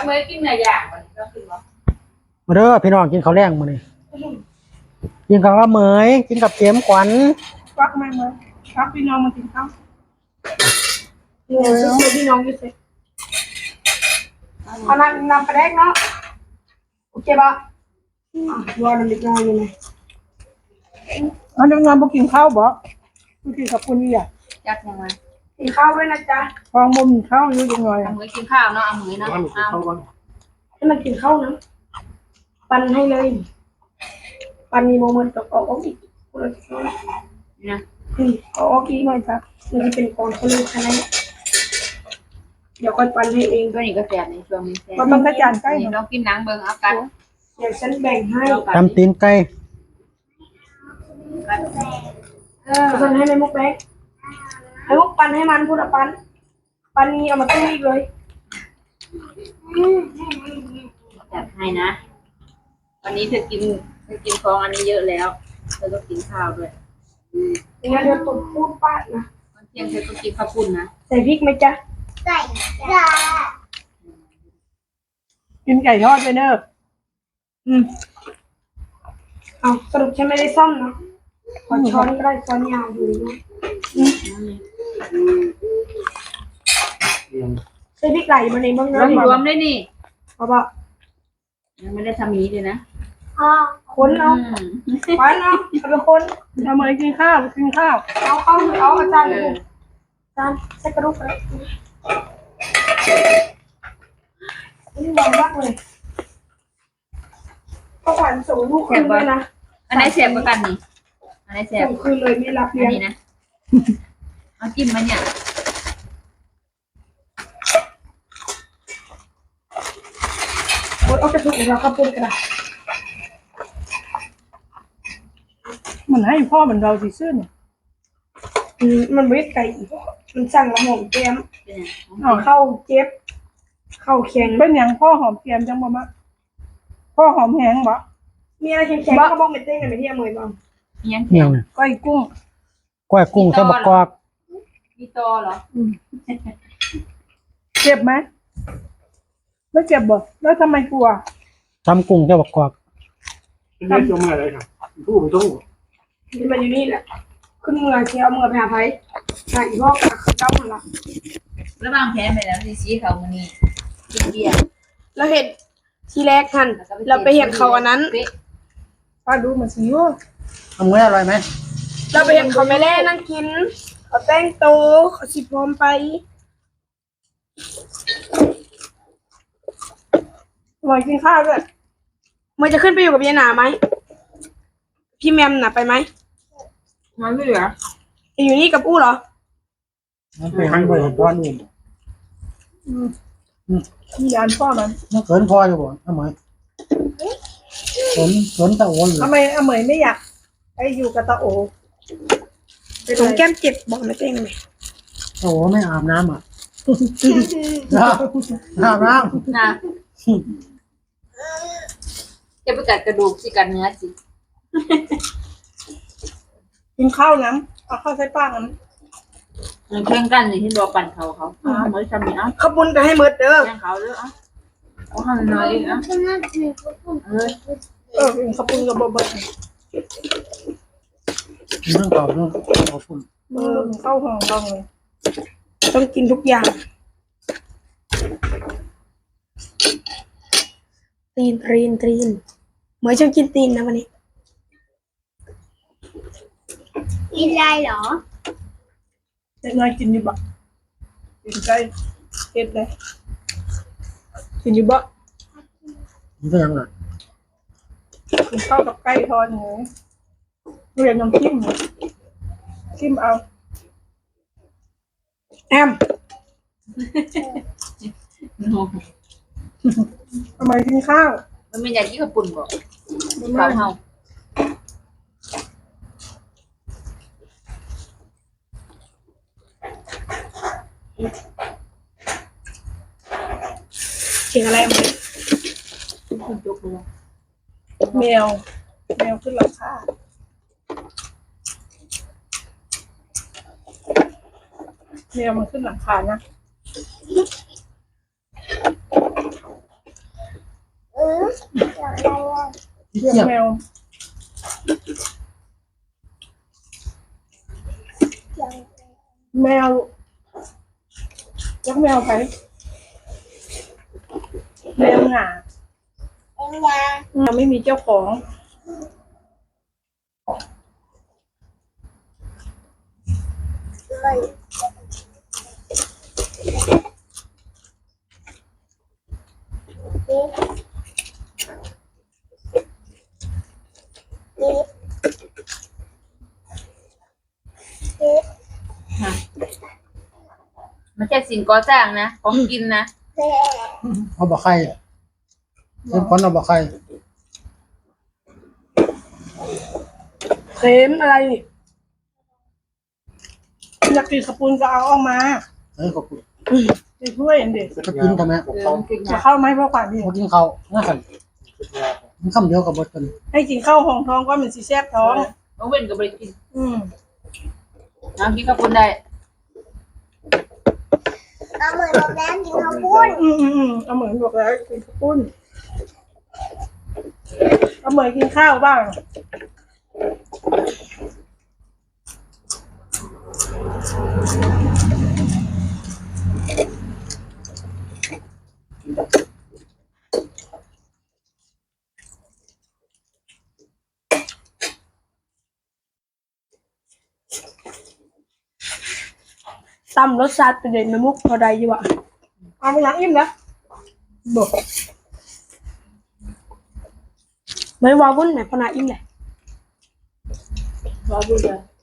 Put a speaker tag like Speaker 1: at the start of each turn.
Speaker 1: เมื่อกินเนื้อย่างมันก็คือว่า
Speaker 2: มาเด้อพี่น้องกินข้าวแรงมื้อนี้กินข้าวว่าเหมยกินกับเข็มขวัญ
Speaker 3: ฟักไหมเมื่อฟักพี่น้องมากินข้าวพี่น้องอยู่สิเอานำไปแรกเนาะโอเคปะรอน้ำเล็กน้อยยังไงอันนี้งานบุกินข้าวบ่บุกินกับคุณนี่อ่ะ
Speaker 1: จักยังไง
Speaker 3: กินข้าวด้วยนะจ๊ะฟองมุมข้าวอยู่ยังไง
Speaker 1: เอามือกินข้าวเนาะเอามือเนาะ
Speaker 3: ให้มันกินข้าวนะปั่นให้เลยปั่นมีโมเมนต์ตกออกอีก
Speaker 1: นะ
Speaker 3: ออกอีกหน่อยครับมันจะเป็นกองทะลุขนาดเดี๋ยวค่อยปั่นให้เอง
Speaker 1: ตัวนี้ก็แสบในช่วงนี้แสบ
Speaker 3: มันต้องกระจายใกล้
Speaker 1: เรากินหนังเบิ่งเอากัน
Speaker 3: เดี๋ยวฉันแบ่งให้
Speaker 2: ตำตีนไก่
Speaker 3: ฉันให้แม่มุกแบ่งให้มุกปั่นให้มันพูดปั่นนี้เอามาตู้อีกเลย
Speaker 1: จัดให้นะวันนี้เธอกินของอันนี้เยอะแล้วเธอก็กินข้าวด้วย
Speaker 3: งั้นเดี๋ยวตุ่มพูดป้านะ
Speaker 1: ตอนเที่ยงเธอก็กินข้าวปุ้นนะ
Speaker 3: ใส่พริกไหมจ๊ะใส่จ้ากินไก่ทอดไปเนอะเอาสรุปฉันไม่ได้ซ่อมเนาะขอช้อนก็ได้ช้อนยาวอยู่นะใส่พริกไก่มาในบ้างนะ
Speaker 1: รวมได้นี่
Speaker 3: เอาปะ
Speaker 1: ยังไม่ได้ทำนี้เลยนะ
Speaker 3: คนเอาไปเนาะเอาไปคนทำไมกินข้าวเอาอาจารย์ใส่กระดูกเลยนี่บอลมากเลยก็ขวัญส่งลูกคืนเลยนะ
Speaker 1: อันไหนแสบกว่ากันนี่อันไหนแสบ
Speaker 3: ส่งคืนเลยไม่รับเลี้ยง
Speaker 1: นี่นะเอาจิ้มมาเนี่ย
Speaker 3: เอากระดูกเราก็ปุ่นกระดาษมันให้พ่อเหมือนเราสิซื่อเนี่ยมันไม่ไก่มันสั่งละหอมแก้มเข้าเจ็บเข้าแข็งเป็นอย่างพ่อหอมแก้มจังบ่มะพ่อหอมแห้งบ่มีอะไรแข็งๆก็บ้องเป็นเต้นกันไปที่อเมริกา
Speaker 2: เนี่ย
Speaker 3: ก้อยกุ้ง
Speaker 2: ใส่บักกอก
Speaker 1: มีตอเหรอ
Speaker 3: เจ็บไหมไม่เจ็บบ่แล้วทำไมกลัว
Speaker 2: ทำกุ้งใส่บักกอก
Speaker 4: เรียกตัวเมื่อไรครับผู้ผมต้อง
Speaker 3: ที่มันอยู่นี่แหละขึ้นเมืองเชียวเมืองไปหาไผ่หาอีพ่อกับเจ้ามันละ
Speaker 1: แล้วบางแพ้ไปแล้วซีเขามันนี่กินเบียร์
Speaker 3: แล้วเห็ดทีแรกทันเราไปเห็ดเขาอันนั้นป้าดูมันสิว
Speaker 2: ทำมื้ออร่อยไหม
Speaker 3: เราไปเห็ดเขาไม่แล่นั่งกินเขาแต่งโตเขาสิพร้อมไปลอยกินข้าวด้วยมันจะขึ้นไปอยู่กับยายหนาไหมพี่แมมน่ะไปไหม
Speaker 1: ไม่เหลือ
Speaker 3: อยู่นี่กับอู้เหรอ
Speaker 2: มันไปหันไปตอนนี้
Speaker 3: มีอันพ่อมัน
Speaker 2: เขินพออยู่บ่ทำไมสนตะโอน
Speaker 3: ทำไมอเมยไม่อยากไปอยู่กับตาโอตรงแก้มเจ็บบอกไม่เต้งเลย
Speaker 2: ตะโอไม่อาบน้ำอ่ะอาบน้
Speaker 1: ำนะจะไปกัดกระดูกสิกัดเนื้อสิ
Speaker 3: กินข้าวน้ำเอาข้าวใส่ป้าน้
Speaker 1: ำแข่งกันนี่ที่รอปั่นเขาเหมือนทำนี่
Speaker 3: ข้าวปุ้นก็ให้มืดเด้อ
Speaker 1: แข่งเขาเด้อเอาทำน้อยนะ
Speaker 3: ข้าวปุ้นกับบ่อย
Speaker 2: เรื่องต่อเรื่องขอบคุณ
Speaker 3: ข้าวหอมต้องเลยต้องกินทุกอย่างตีนเหมือนฉันกินตีนนะวันนี้
Speaker 5: กินได้เหรอ
Speaker 3: เด็กน้อยกินอยู่บ่กินไก่เก็บเลยกินอยู่บ่
Speaker 2: มันก็ยังไง
Speaker 3: กินข้าวกับไก่ทอดหมูเรียนน้ำจิ้มเอาแอมทำไมกินข้าว
Speaker 1: มันไม่อยากกินกับปุ่นบ่ข้าวเฮา
Speaker 3: เสียงอะไรมั้ยแมวขึ้นหลังคาแมวมันขึ้นหลังคานะ
Speaker 2: พี่
Speaker 3: เลี้ยง
Speaker 2: เจี๊ยบ
Speaker 3: แมวแมวยักแมวไปแมวหงา
Speaker 5: เอ็งยา
Speaker 3: ยังไม่มีเจ้าของ
Speaker 5: เลย
Speaker 1: ไม่ใช่สิ่งก่อสร้างนะของกินนะ
Speaker 2: เอาบ่ไข่เพิ่นคนเอาบ่ไข่
Speaker 3: เค็มอะไรนี่อยากกินขปุนก็เอาออกมา
Speaker 2: ขอบคุณ
Speaker 3: ไปช่วยอันเด็ก
Speaker 2: จะกินทำไม
Speaker 1: มันกิน
Speaker 3: จะ
Speaker 1: ยา
Speaker 3: เข้าไหมเพราะความนี่
Speaker 2: บ่กินข้าวนะคั่นมันคำเดียวกับบ่กัน
Speaker 3: ให้กินข้าวห้องท้องก็มันสิแซ่บท้อง
Speaker 1: น้องเว้นก็บริกิน
Speaker 3: อืม
Speaker 1: น้องกินข้าวปุ้นได้
Speaker 5: เอาเหมือนบอกแล้วกินข้าวปุ้น
Speaker 3: เอาเหมือนบอกแล้วกินข้าวปุ้นเอาเหมือนกินข้าวบ้างตำรสชาติเป็นเด่นน้ำมุกพอได้อยู่อ่ะเอาไปล้างอิ่มแล้วบอกไม่ว่าวุ่นไหนพอนาอิ่มเลย
Speaker 1: รอดูเลย